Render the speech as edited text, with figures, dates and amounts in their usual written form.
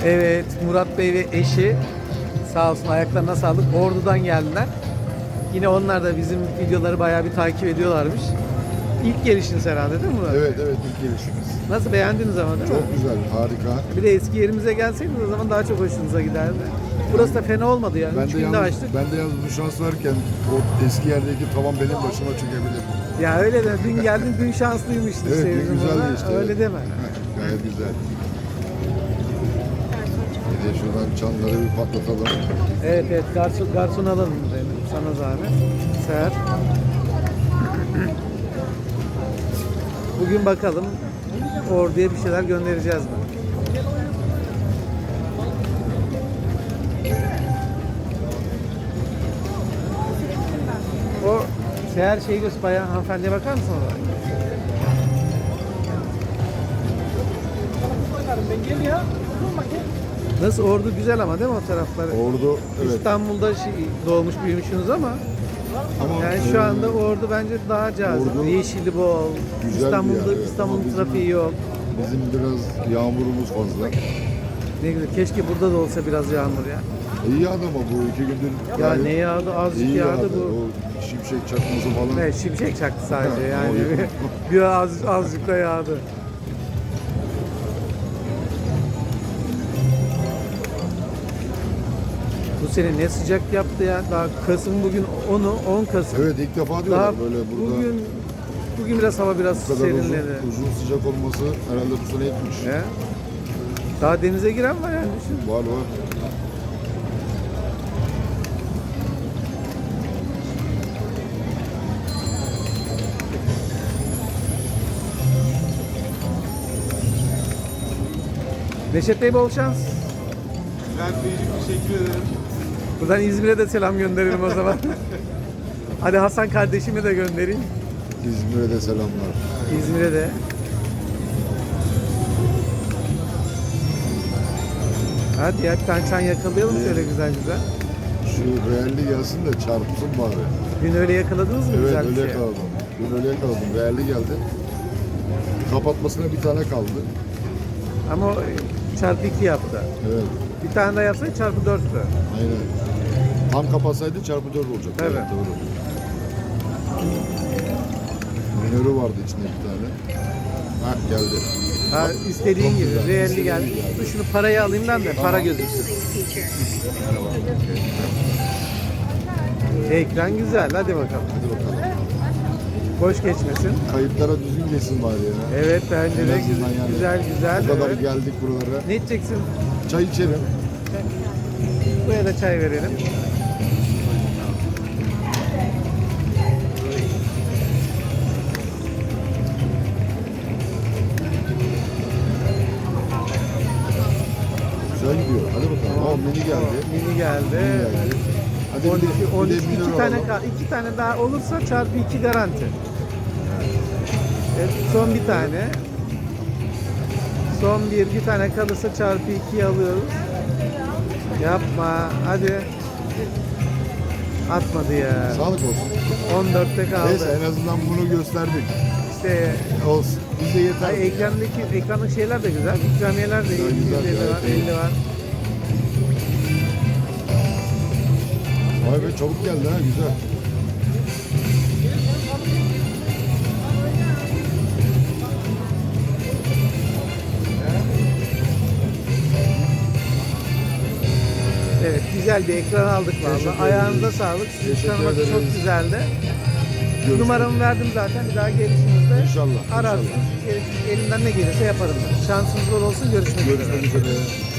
Evet, Murat Bey ve eşi sağ olsun ayaklarına sağlık. Ordu'dan geldiler. Yine onlar da bizim videoları bayağı bir takip ediyorlarmış. İlk gelişiniz herhalde değil mi Murat? Evet ilk gelişimiz. Nasıl beğendiniz ama değil mi? Çok güzel, harika. Bir de eski yerimize gelseydiniz o zaman daha çok hoşunuza giderdi. Burası da fena olmadı yani. Ben 3 de günde yalnız, açtık. ben de yalnız bu şans varken o eski yerdeki tavan benim başıma çökebilir. Ya öyle de dün geldin dün şanslıymıştın. Evet, sevdim güzel ona. geçti. Öyle evet. deme. Gayet güzel. Bir de şuradan çanları bir patlatalım. Evet garson alalım dedim. Sana zahmet. Seher. Bugün bakalım Ordu'ya bir şeyler göndereceğiz mi? O Seher şeyi göster bayan hanımefendiye bakar mısın orada? Nasıl Ordu güzel ama değil mi o tarafları? Ordu, evet. İstanbul'da doğmuş büyümüşsünüz ama yani şu anda Ordu bence daha cazip. Ordu Yeşili bol. güzel bir İstanbul'da yer, evet. İstanbul'un Ama bizim- trafiği yok. Bizim biraz yağmurumuz fazla. Ne güzel. Keşke burada da olsa biraz yağmur ya. İyi yağdı ama bu 2 gündür Ya gayet ne yağdı? Azıcık iyi yağdı bu. O şimşek çakması falan. Evet, şimşek çaktı sadece Ha, yani. o- Biraz azıcık da yağdı. Bu sene ne sıcak yaptı ya. Daha Kasım bugün 10 Kasım. Evet ilk defa Daha diyorlar böyle burada bugün biraz hava biraz bu kadar serinledi. uzun sıcak olması herhalde bu sene etmiş. He? Daha denize giren var yani düşün. Var. Neşet Bey bol şans. Bülent Beyciğim teşekkür ederim. Buradan İzmir'e de selam gönderelim o zaman. Hadi Hasan kardeşime de göndereyim. İzmir'e de selamlar. İzmir'e de. Hadi ya bir tane çan yakalayalım şöyle güzel güzel. Şu realli gelsin de çarpsın bari. Dün öyle yakaladınız mı Evet güzel bir öyle şey? yakaladım. Dün öyle yakaladım. Realli geldi. Kapatmasına bir tane kaldı. Ama o çarpı 2 yaptı. Evet. Bir tane daha yapsaydı çarpı 4'tü. Aynen. Tam kapatsaydı çarpı 4 olacak. Evet. Doğru. Minörü vardı içinde bir tane. Ha geldi. Ha, istediğin Çok gibi. güzel, Realli istediğin geldi. gibi geldi. Dur şunu parayı alayım ben de para gözüksün. Ekran güzel. Hadi bakalım. Hadi bakalım. Boş geçmesin. Kayıtlara düzgün geçsin bari ya. Evet bence En de azından yani. güzel. Bu kadar Evet. geldik buralara. Ne içeceksin? Çay içelim. Buraya da çay verelim. Güzel gidiyor. Hadi bakalım. Aa, mini geldi. Mini geldi. Geldi. Hadi 12, bir de 12 minör iki tane, alalım. iki tane daha olursa çarpı 2 garanti. Evet, son bir tane. Son bir tane kalırsa çarpı 2'yi alıyoruz. Yapma. Hadi. Atmadı ya. Sağlık olsun. 14'te kaldı. Neyse en azından bunu gösterdik. İşte Olsun. Bize yeter. ay, ekrandaki şeyler de güzel. İkramiyeler de iyi. Güzel, 250 var, gayet iyi. 50 var. Vay be çabuk geldi ha güzel. Evet, güzel bir ekran aldık Teşekkür vallahi. Ayağınıza ederiz. sağlık. Sizi Teşekkür tanımak çok ederiz. güzeldi. Görüşmek Numaramı verdim zaten. Bir daha gelişinizde İnşallah, ararsınız. Elimden ne gelirse yaparım. Şansınız bol olsun. Görüşmek üzere. Görüşmek üzere.